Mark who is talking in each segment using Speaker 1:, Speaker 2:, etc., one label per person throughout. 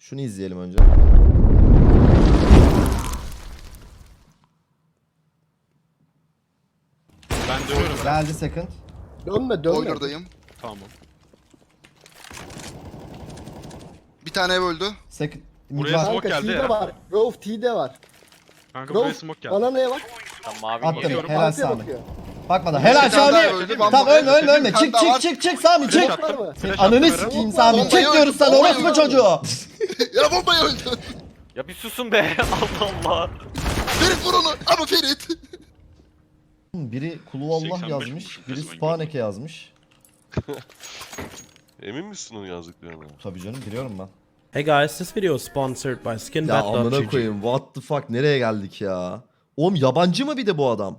Speaker 1: Şunu izleyelim önce.
Speaker 2: Ben dönüyorum.
Speaker 1: Geldi second.
Speaker 3: Dönme.
Speaker 4: Boiler'dayım.
Speaker 2: Tamam.
Speaker 4: Bir tane ev öldü.
Speaker 1: Second.
Speaker 2: Buraya
Speaker 1: Var.
Speaker 2: smoke
Speaker 3: Kanka
Speaker 2: geldi
Speaker 3: T'de
Speaker 2: ya.
Speaker 3: var. Grove T'de var.
Speaker 2: Kanka buraya
Speaker 3: Grove
Speaker 2: smoke geldi.
Speaker 3: bana neye bak?
Speaker 5: Mavi
Speaker 1: Attım.
Speaker 5: geliyorum.
Speaker 1: Helal
Speaker 3: Arkaya
Speaker 1: Sami.
Speaker 3: bakıyor.
Speaker 1: Bakmadan. Helal
Speaker 4: Bir tane daha
Speaker 1: Sami.
Speaker 4: öldü.
Speaker 1: Tamam ölme ölme ölme. Çık çık çık çık Sami çık.
Speaker 3: Var mı?
Speaker 2: Flash
Speaker 1: Ananı
Speaker 2: attım
Speaker 1: sikeyim
Speaker 3: Eren.
Speaker 1: Sami.
Speaker 4: Bombayı
Speaker 1: Çık diyoruz sana
Speaker 4: öldü,
Speaker 1: orospu
Speaker 4: bombayı
Speaker 1: çocuğu.
Speaker 4: Ya bombayı öldü.
Speaker 5: Ya bir susun be. Allah Allah.
Speaker 4: Ferit vur onu. Ama Ferit.
Speaker 1: Biri Kulu Allah
Speaker 2: 85
Speaker 1: yazmış.
Speaker 2: vurmuş,
Speaker 1: Biri
Speaker 2: resmen
Speaker 1: Spaneke yazmış.
Speaker 6: Emin misin onu yazdıklarına?
Speaker 1: Tabii canım biliyorum ben.
Speaker 7: Hey guys, this video is sponsored by
Speaker 1: Ya amına
Speaker 7: SkinBet.gg.
Speaker 1: koyayım. What the fuck nereye geldik ya? Oğlum yabancı mı bir de bu adam?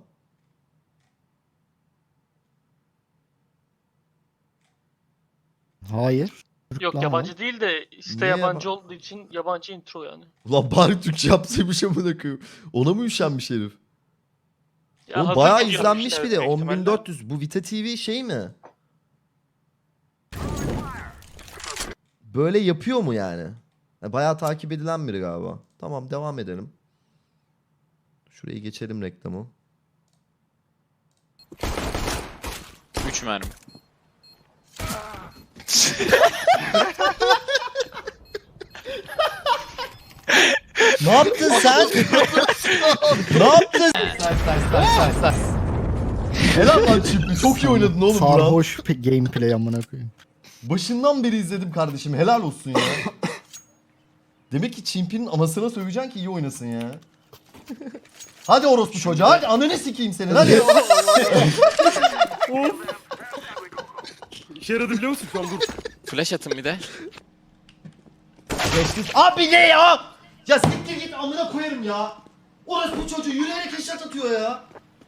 Speaker 3: Hayır.
Speaker 8: Yok yabancı değil de işte
Speaker 1: Niye
Speaker 8: yabancı olduğu için yabancı intro yani.
Speaker 1: Ulan bari Türkçe yapsaymış amına koyayım. Ona mı üşenmiş herif?
Speaker 8: Ya
Speaker 1: Oğlum
Speaker 8: hazır
Speaker 1: bayağı
Speaker 8: video
Speaker 1: izlenmiş
Speaker 8: yapmışlar
Speaker 1: bir de.
Speaker 8: büyük ihtimalle.
Speaker 1: 10.400. Bu Vita TV şey mi? Böyle yapıyor mu yani? Bayağı takip edilen biri galiba. Tamam devam edelim. Şurayı geçelim reklamı.
Speaker 5: 3 mermi.
Speaker 1: Ne yaptın sen? Ne yaptın? Helal lan Çipi. Çok iyi oynadın oğlum Burak.
Speaker 3: Sarhoş gameplay amına koyayım.
Speaker 1: Başından beri izledim kardeşim. Helal olsun ya. Demek ki Çimpi'nin anasına söveceksin ki iyi oynasın ya. Hadi orospu çocuğa. Hadi ananı sikeyim senin. Hadi.
Speaker 2: İşe yaradı biliyor musun şu an dur.
Speaker 5: Flash atın bir de.
Speaker 1: Geçtik. Abi ne ya? Ya siktir git amına koyarım ya. Orospu çocuğu yürüyerek headshot atıyor ya.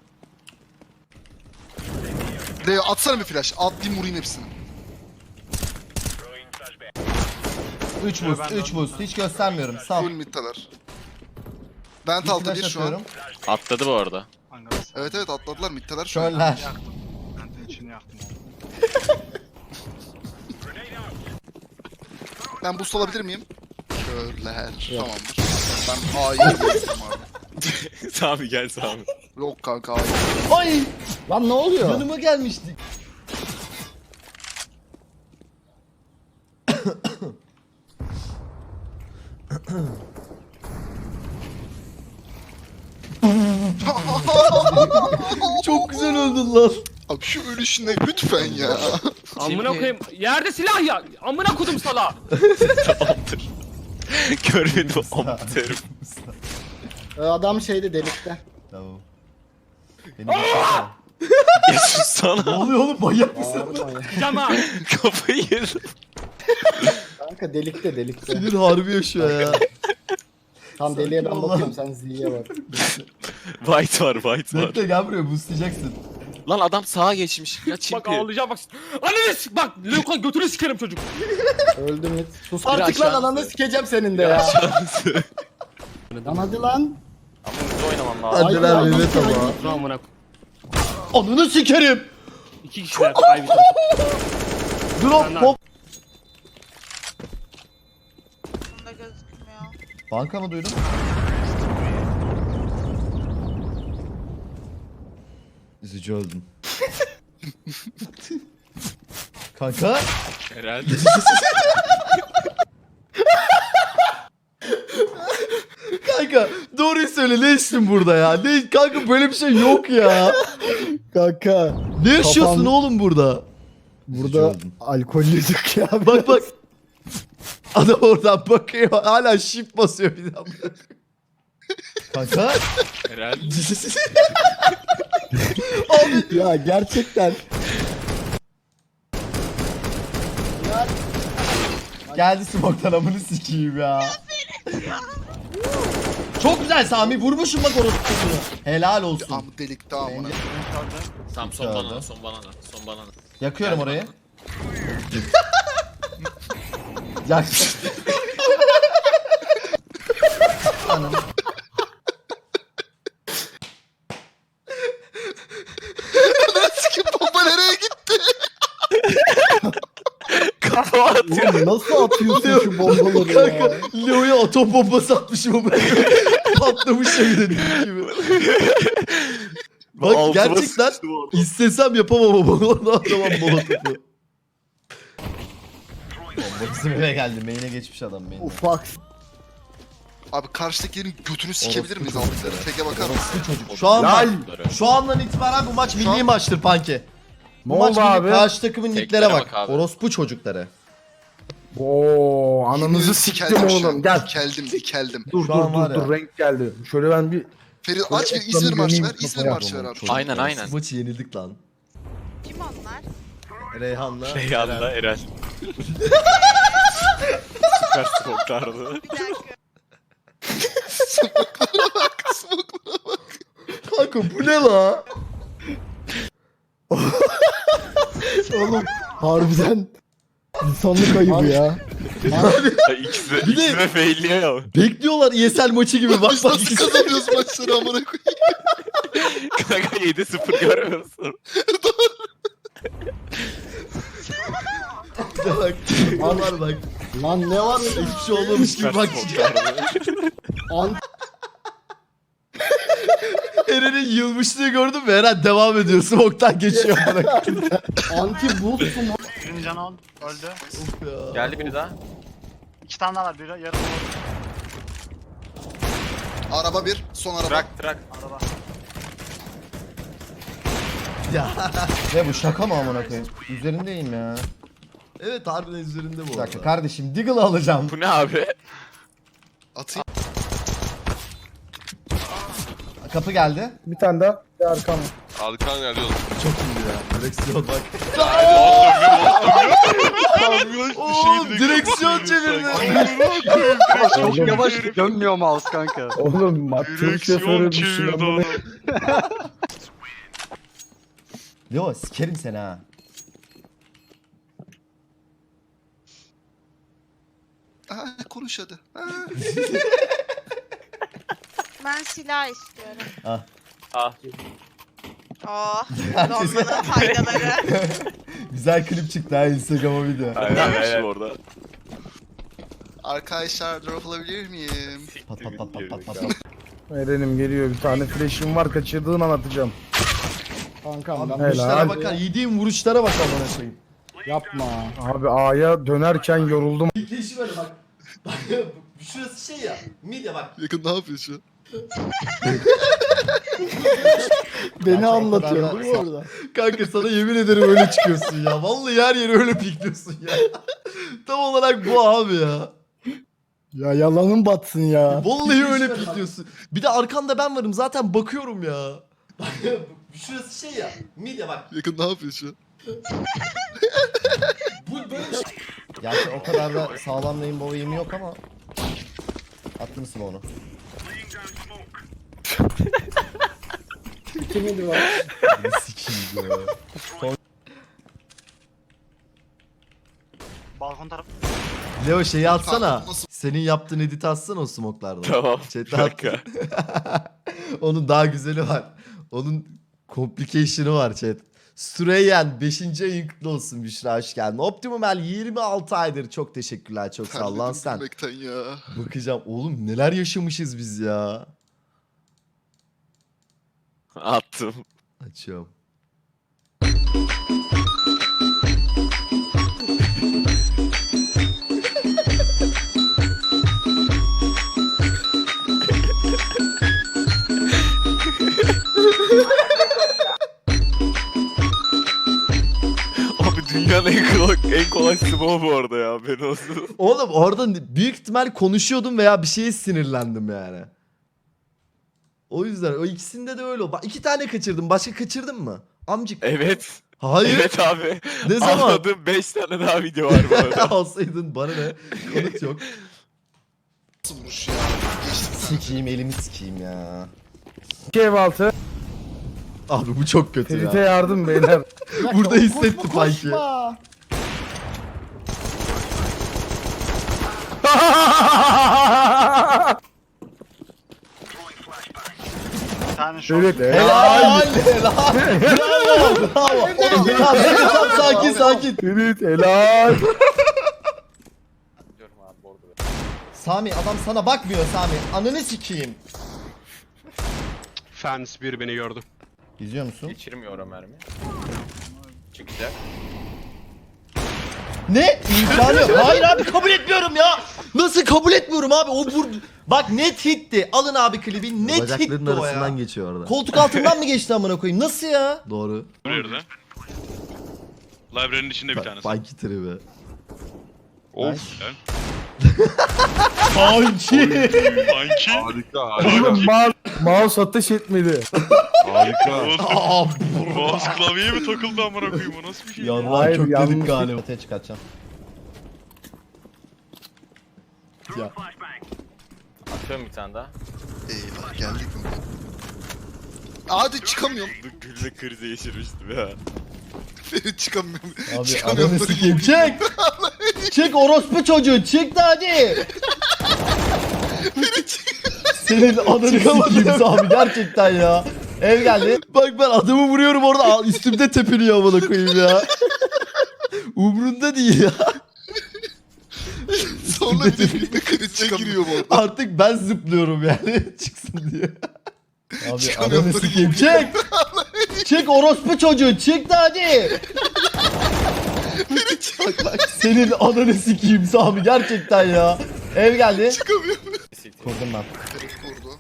Speaker 4: Leo atsana bir flash. Atlayayım vurayım hepsini.
Speaker 1: 3 boost, 3 boost. Hiç göstermiyorum. Sağ ol.
Speaker 4: Full mid'talar. Vent altı bir şu an.
Speaker 5: Atladı bu arada.
Speaker 4: Evet evet atladılar mid'talar şu an.
Speaker 1: Şöller.
Speaker 4: Ben boost alabilir miyim? Körler. Tamamdır. Ben A'yı yapıyorum abi.
Speaker 5: Sami gel Sami.
Speaker 4: Yok kanka A'yı.
Speaker 1: Ay!
Speaker 3: Lan ne oluyor?
Speaker 1: Yanıma gelmişti. Çok güzel öldün lan.
Speaker 4: Abi şu ölüşüne lütfen ya.
Speaker 8: Amına koyayım. Yerde silah ya. Amına kodum sala.
Speaker 5: Tamamdır. Görmedim amatörüm.
Speaker 3: Adam şeyde delikte.
Speaker 1: Tamam. Beni geçirsene.
Speaker 5: Ya
Speaker 1: Ne
Speaker 5: sussana.
Speaker 1: oluyor oğlum manyak mısın?
Speaker 3: Bağırma ya.
Speaker 8: Cama.
Speaker 5: Kafayı yedim.
Speaker 3: Kanka delikte.
Speaker 1: Sinir harbi yaşıyor ya.
Speaker 3: Tam deliğe ben
Speaker 1: Allah.
Speaker 3: bakıyorum sen Z'ye bak.
Speaker 5: White var white var.
Speaker 1: Bekle gel buraya boostlayacaksın.
Speaker 5: Lan adam sağa geçmiş. Ya
Speaker 8: Bak
Speaker 5: çimpi.
Speaker 8: ağlayacağım bak. Ananı sik bak. Leukon götünü sikerim çocuk.
Speaker 3: Öldüm mü? Sus
Speaker 5: Biri
Speaker 3: artık lan
Speaker 5: aşağısı.
Speaker 3: ananı sikeceğim senin de ya. Lan hadi lan.
Speaker 5: Ama hızlı oynamam lazım.
Speaker 1: Hadi
Speaker 3: Ay,
Speaker 1: lan
Speaker 3: ay,
Speaker 1: Mehmet
Speaker 3: ay,
Speaker 1: ama.
Speaker 8: Amına
Speaker 1: Ananı sikerim.
Speaker 8: 2 kişiler. Ay bir tarafı.
Speaker 1: Drop pop.
Speaker 9: Bunda gözükmüyor.
Speaker 1: Banka mı duydun? Üzücü öldüm. Kanka.
Speaker 5: Herhalde.
Speaker 1: Kanka doğruyu söyle ne içtin burada ya? Ne, kanka böyle bir şey yok ya.
Speaker 3: Kanka.
Speaker 1: Ne yaşıyorsun
Speaker 3: Kafam-
Speaker 1: oğlum burada?
Speaker 3: Burada
Speaker 1: öldüm.
Speaker 3: alkollüydük ya.
Speaker 1: Bak bak. Adam oradan bakıyor hala shift basıyor bir daha. Kanka.
Speaker 5: Herhalde.
Speaker 3: Ya gerçekten.
Speaker 1: Geldi smoke'tan amını sikeyim ya. Çok güzel Sami vurmuşum bak orospu'sunu. Helal olsun.
Speaker 4: Ama delikte amına.
Speaker 5: Tamam son banana son banana son banana.
Speaker 1: Yakıyorum orayı. Yak. Anam.
Speaker 4: Sikim bomba nereye gitti?
Speaker 5: Kafa at.
Speaker 3: atıyor.
Speaker 6: Nasıl atıyorsun şu bombaları ya?
Speaker 1: Kanka Leo'ya atom bombası atmışım ama patlamış ya bir de dediğim gibi. Bak
Speaker 3: Altıma
Speaker 1: gerçekten
Speaker 3: sıçtı bu arada.
Speaker 1: istesem yapamam ama onu atamam molotofu. Bomba bizim eve geldi. Main'e geçmiş adam main'e.
Speaker 6: Ufak.
Speaker 4: Abi karşıdakilerin götünü sikebilir miyiz aldıkları? Peke bakar mısın?
Speaker 1: Bu çocuk. Şu andan itibaren bu maç milli maçtır Panki.
Speaker 6: Ne
Speaker 1: Bu maç
Speaker 6: oldu
Speaker 1: milli.
Speaker 6: abi?
Speaker 1: Karşı takımın
Speaker 5: Teklere
Speaker 1: niklere
Speaker 5: bak
Speaker 1: bak.
Speaker 5: abi.
Speaker 1: Orospu çocukları.
Speaker 6: Oo, ananızı siktim oğlum. Gel.
Speaker 4: Dikeldim.
Speaker 6: Dur
Speaker 1: Şu an var
Speaker 6: dur
Speaker 1: ya.
Speaker 6: renk geldi. Şöyle ben bir
Speaker 4: Ferit aç bir İzmir marşı ver. İzmir marşı ver abi.
Speaker 1: Çocuklar,
Speaker 5: Aynen, aynen.
Speaker 1: Bu maçı yenildik lan.
Speaker 9: Kim onlar?
Speaker 1: Reyhan'la.
Speaker 2: Reyhan'la Eren. Süper smoke'lardı.
Speaker 9: Bir dakika.
Speaker 1: Kanka bu ne la?
Speaker 6: oğlum harbiden insanlık ayıbı ya.
Speaker 2: İkisi
Speaker 1: Bir de-
Speaker 2: de failliyor ya.
Speaker 1: Bekliyorlar ESL maçı gibi bak
Speaker 4: Biz
Speaker 1: bak.
Speaker 4: nasıl kazanıyoruz maçları amına koyayım?
Speaker 2: Kanka 7-0 görmüyorsun.
Speaker 1: bak. Var bak.
Speaker 6: Lan ne var?
Speaker 1: Hiçbir şey olmamış gibi
Speaker 2: Süper
Speaker 1: bak.
Speaker 2: smoke'lardı.
Speaker 6: An
Speaker 1: Eren'in yılmışlığı gördün mü? Eren devam ediyor. Smoke'tan geçiyor. Bırak.
Speaker 6: anti boost mu?
Speaker 10: Birinci canon öldü.
Speaker 5: Geldi biri daha.
Speaker 10: 2 tane daha var. Biri yarım
Speaker 4: Araba bir, son araba.
Speaker 5: Trak.
Speaker 10: araba.
Speaker 1: Ya. Ne bu şaka mı amına koyayım? Üzerindeyim ya. Evet harbiden üzerinde bu. Bir dakika kardeşim Deagle'ı alacağım.
Speaker 5: Bu ne abi?
Speaker 4: Atayım.
Speaker 1: Kapı geldi.
Speaker 6: Bir tane daha. Bir arkam.
Speaker 3: Arkan geliyor.
Speaker 1: Çok iyi ya. Direksiyon bak.
Speaker 3: Oğlum
Speaker 1: direksiyon çevirdi.
Speaker 6: Oğlum,
Speaker 10: Yavaş dönmüyor mouse kanka.
Speaker 6: oğlum tır şoförü bir şey
Speaker 2: çevirdi
Speaker 6: yapmadı.
Speaker 2: onu.
Speaker 1: Yo sikerim seni ha.
Speaker 4: Konuş hadi.
Speaker 9: Ben silah istiyorum.
Speaker 1: Ah.
Speaker 5: Ah.
Speaker 9: Oh, dolmanın faydaları.
Speaker 1: Güzel klip çıktı ha Instagram'a video.
Speaker 3: Aynen orada.
Speaker 4: Arkadaşlar drop alabilir miyim?
Speaker 1: Pat pat pat pat pat pat.
Speaker 6: Eren'im geliyor bir tane flash'im var kaçırdığın an atacağım. Kankam
Speaker 1: Abi
Speaker 6: ben
Speaker 1: vuruşlara
Speaker 6: helal.
Speaker 1: bakar. Yediğim vuruşlara bak amına koyayım.
Speaker 6: Yapma. Abi A'ya dönerken yoruldum.
Speaker 1: İlk böyle bak. Bak şurası şey ya. Midye bak.
Speaker 4: Yakın ne yapıyor şu an?
Speaker 6: Beni
Speaker 1: Gerçi o
Speaker 6: anlatıyor
Speaker 1: kadar da-
Speaker 6: değil mi orada?
Speaker 1: Kanka sana yemin ederim öyle çıkıyorsun ya. Vallahi her yere öyle pikliyorsun ya. Tam olarak bu abi ya.
Speaker 6: Ya yalanın batsın ya.
Speaker 1: Vallahi öyle pikliyorsun. Bir de arkanda ben varım zaten bakıyorum ya. Bak şurası şey ya. Midye bak.
Speaker 4: Yakın ne yapıyor şu an?
Speaker 1: Bu böyle bir şey. Gerçi o kadar da sağlam rainbow aim'i yok ama. Attın mısın onu?
Speaker 6: Kimidi var?
Speaker 1: Sikiyim ya.
Speaker 10: Balkon tarafı.
Speaker 1: Leo şeyi atsana.
Speaker 4: Kanka, nasıl-
Speaker 1: Senin yaptığın editi atsana o smoke'lardan.
Speaker 2: Tamam.
Speaker 1: Chat'e at. Onun daha güzeli var. Onun complication'ı var chat. Süreyyen 5. ayın kutlu olsun Büşra hoş geldin. Optimum El 26 aydır çok teşekkürler çok sağ ol lan
Speaker 4: Terledim
Speaker 1: sen.
Speaker 4: gülmekten ya.
Speaker 1: Bakacağım oğlum neler yaşamışız biz ya.
Speaker 2: Attım.
Speaker 1: Açıyorum.
Speaker 2: Abi dünyanın en kolay smoke bu arada ya. Ben olsun.
Speaker 1: Oğlum orada büyük ihtimal konuşuyordum veya bir şeye sinirlendim yani. O yüzden o ikisinde de öyle oldu. Bak 2 tane kaçırdım. Başka kaçırdın mı? Amcık.
Speaker 2: Evet.
Speaker 1: Hayır.
Speaker 2: Evet abi.
Speaker 1: Ne zaman?
Speaker 2: Anladım 5 tane daha video var bu arada.
Speaker 1: Alsaydın bana ne? Kanıt yok.
Speaker 4: Nasıl vuruş ya? Geçtik.
Speaker 1: Sikeyim elimi sikeyim ya.
Speaker 6: 2 ev altı.
Speaker 1: Abi bu çok kötü
Speaker 6: Ferit'e
Speaker 1: ya.
Speaker 6: yardım beyler.
Speaker 1: Burada hissetti sanki.
Speaker 10: Bir tane short.
Speaker 6: Evet
Speaker 1: Helal. Helal. Bravo. Bravo. Tamam, sakin sakin.
Speaker 6: Ferit helal.
Speaker 1: Sami adam sana bakmıyor Sami. Ananı sikeyim.
Speaker 3: Fans bir beni gördü.
Speaker 1: İzliyor musun?
Speaker 5: Geçirmiyor o mermi. Çıkacak.
Speaker 1: Ne? İmkanı yok. Hayır abi kabul etmiyorum ya. Nasıl kabul etmiyorum abi? O vurdu. Bak net hitti. Alın abi klibi. Net hitti o ya.
Speaker 11: geçiyor orada.
Speaker 1: Koltuk altından mı geçti amına koyayım? Nasıl ya?
Speaker 11: Doğru.
Speaker 2: Nerede? Library'nin içinde bir tanesi.
Speaker 11: Funky tribi.
Speaker 2: Of.
Speaker 1: Sanki.
Speaker 2: Sanki.
Speaker 6: Oğlum mouse ateş etmedi.
Speaker 1: Aa,
Speaker 2: Mouse klavyeye mi takıldı amına koyayım, o nasıl bir şey?
Speaker 1: Yarrağı
Speaker 6: Hayır,
Speaker 1: kökledik
Speaker 6: yanlış.
Speaker 1: galiba. Ortaya çıkartacağım. Ya.
Speaker 5: Atıyorum bir tane daha.
Speaker 4: Eyvah geldik mi? Hadi çıkamıyorum.
Speaker 2: Gülme krizi geçirmiştim ya.
Speaker 4: Ferit çıkamıyorum.
Speaker 1: Abi
Speaker 4: Çıkamıyorum.
Speaker 1: ananı sikeyim. Çek. Çek orospu çocuğu. Çık da hadi. Senin ananı sikeyim abi gerçekten ya. Ev geldi. Bak ben adamı vuruyorum orada üstümde tepiniyor amına koyayım ya. Umrunda değil ya.
Speaker 4: Sonra bir de filmde krize giriyor bu arada.
Speaker 1: Artık ben zıplıyorum yani çıksın diye. Abi
Speaker 4: Çıkamıyorum,
Speaker 1: ananı
Speaker 4: böyle
Speaker 1: sikeyim. Çek. Çek orospu çocuğu. Çık da hadi. Bak bak senin ananı sikeyim Sami gerçekten ya. Ev geldi.
Speaker 4: Çıkamıyorum.
Speaker 1: Kurdum ben.
Speaker 4: Ferit kurdu.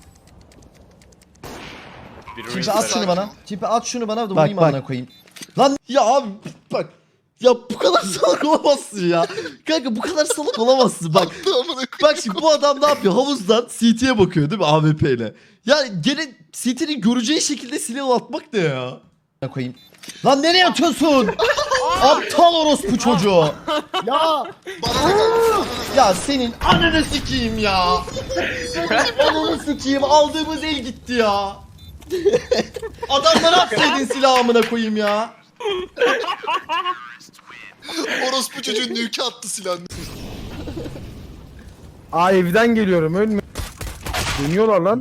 Speaker 5: Bir
Speaker 1: Çipi
Speaker 5: ruin
Speaker 1: at şunu
Speaker 5: var.
Speaker 1: bana. Çipi at şunu bana da vurayım amına koyayım. Lan ya abi bak. Ya bu kadar salak olamazsın ya. Kanka bu kadar salak olamazsın bak.
Speaker 4: Amına koyayım.
Speaker 1: Bak şimdi bu adam ne yapıyor? Havuzdan CT'ye bakıyor değil mi AWP ile? Yani gene CT'nin göreceği şekilde silah atmak ne ya? Ne koyayım? Lan nereye atıyorsun? Aptal orospu çocuğu. Ya
Speaker 4: Bana da geldi.
Speaker 1: ya senin ananı sikeyim ya. Senin ananı sikeyim. Aldığımız el gitti ya. Adamlara atsaydın silahımına koyayım ya.
Speaker 4: Orospu çocuğun nükü attı silahını.
Speaker 6: Aa evden geliyorum ölme. Dönüyorlar lan.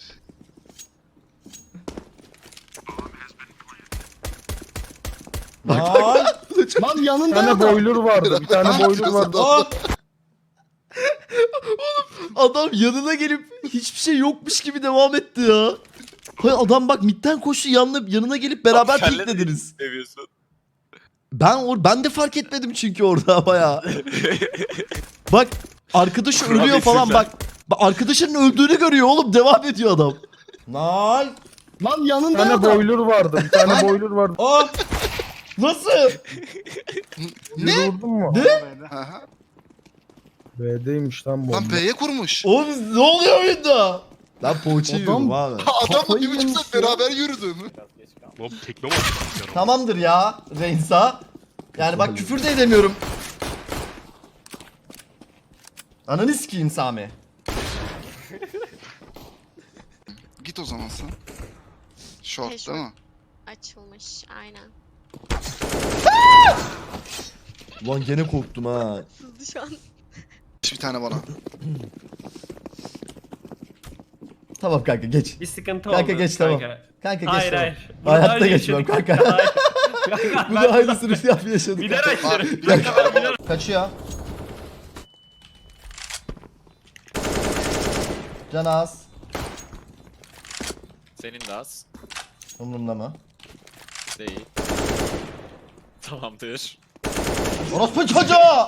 Speaker 1: Lan.
Speaker 6: Lan yanında bir tane boiler vardı. Bir tane boiler vardı.
Speaker 1: Aa! Adam yanına gelip hiçbir şey yokmuş gibi devam etti ya. Hayır adam bak midden koştu yanına gelip beraber
Speaker 2: Abi, kelle
Speaker 1: piklediniz.
Speaker 2: Seviyorsun.
Speaker 1: Ben de fark etmedim çünkü orada baya. Bak arkadaşı
Speaker 2: Kurabiye
Speaker 1: ölüyor falan
Speaker 2: sizler.
Speaker 1: bak arkadaşının öldüğünü görüyor oğlum devam ediyor adam. Nice. Lan yanında
Speaker 6: Bir tane
Speaker 1: adam.
Speaker 6: boiler vardı. Bir tane boiler vardı.
Speaker 1: Aa! Nasıl?
Speaker 6: Ne? Vurdun mu?
Speaker 4: Aha.
Speaker 6: B'deymiş lan bomba.
Speaker 4: Lan B'ye kurmuş.
Speaker 1: Oğlum ne oluyor oyunda? Ben poğaça yiyorum abi.
Speaker 4: Adamla
Speaker 1: Kafayı
Speaker 4: 1,5
Speaker 1: yemiş
Speaker 4: saat
Speaker 1: ya.
Speaker 4: beraber yürüdüm.
Speaker 5: Biraz geç kaldım.
Speaker 2: Oğlum tekme mi atıyorsun?
Speaker 1: Tamamdır ya Reynsa. Yani bak küfür de edemiyorum. Ananı sikeyim Sami.
Speaker 4: Git o zaman sen. Short değil mi?
Speaker 9: Açılmış aynen.
Speaker 1: Ulan gene korktum ha.
Speaker 9: Sızdı şu an.
Speaker 4: Bir tane bana.
Speaker 1: Tamam kanka geç.
Speaker 8: Bir sıkıntı
Speaker 1: Kanka
Speaker 8: oldu.
Speaker 1: geç, tamam. Kanka geç
Speaker 8: Hayır
Speaker 1: tamam.
Speaker 8: hayır. Bunu
Speaker 1: Hayatta
Speaker 8: daha önce
Speaker 1: geçmem
Speaker 8: yaşadık.
Speaker 1: kanka.
Speaker 8: Hayır. Kanka,
Speaker 1: Bunu
Speaker 8: ben
Speaker 1: aynısını yaşadık.
Speaker 8: biler
Speaker 1: kanka.
Speaker 8: açlarım.
Speaker 4: Bir dakika.
Speaker 8: Kanka ben biler.
Speaker 1: Kaçıyor. Can az.
Speaker 5: Senin de az.
Speaker 1: Umurumda mı?
Speaker 5: Değil. Tamamdır.
Speaker 1: Orospu çocuğu!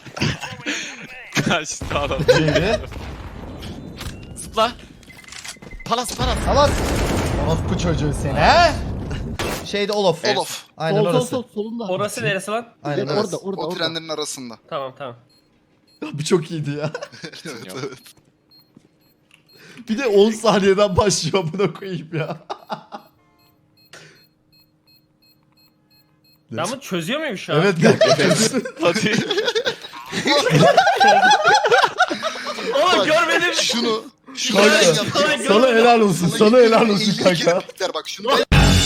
Speaker 5: Kaçtı adam.
Speaker 1: Şeydi.
Speaker 5: Zıpla. Palas palas.
Speaker 1: Tamam. Orospu çocuğu seni he? Şeyde Olof.
Speaker 4: Olof.
Speaker 1: Aynen orası.
Speaker 8: Orası neresi lan?
Speaker 1: Aynen
Speaker 4: Evet,
Speaker 1: orada.
Speaker 4: o trenlerin arasında.
Speaker 8: Tamam tamam.
Speaker 1: Bu çok iyiydi ya.
Speaker 4: Evet,
Speaker 5: Yok.
Speaker 4: evet.
Speaker 1: Bir de 10 saniyeden başlıyor buna koyayım ya.
Speaker 8: Ben bunu çözüyor muyum şu an?
Speaker 1: Evet kanka.
Speaker 2: Hadi.
Speaker 8: Oğlum görmedim.
Speaker 4: Şunu
Speaker 1: Kanka,
Speaker 4: ben yapacağım.
Speaker 1: sana helal olsun. Sana helal olsun
Speaker 4: 50
Speaker 1: kanka.
Speaker 4: kere biter bak şunu.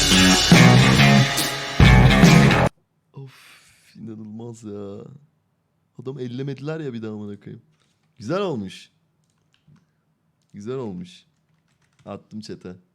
Speaker 1: Of inanılmaz ya. Adam ellemediler ya bir daha amına koyayım. Güzel olmuş. Güzel olmuş. Attım chat'e.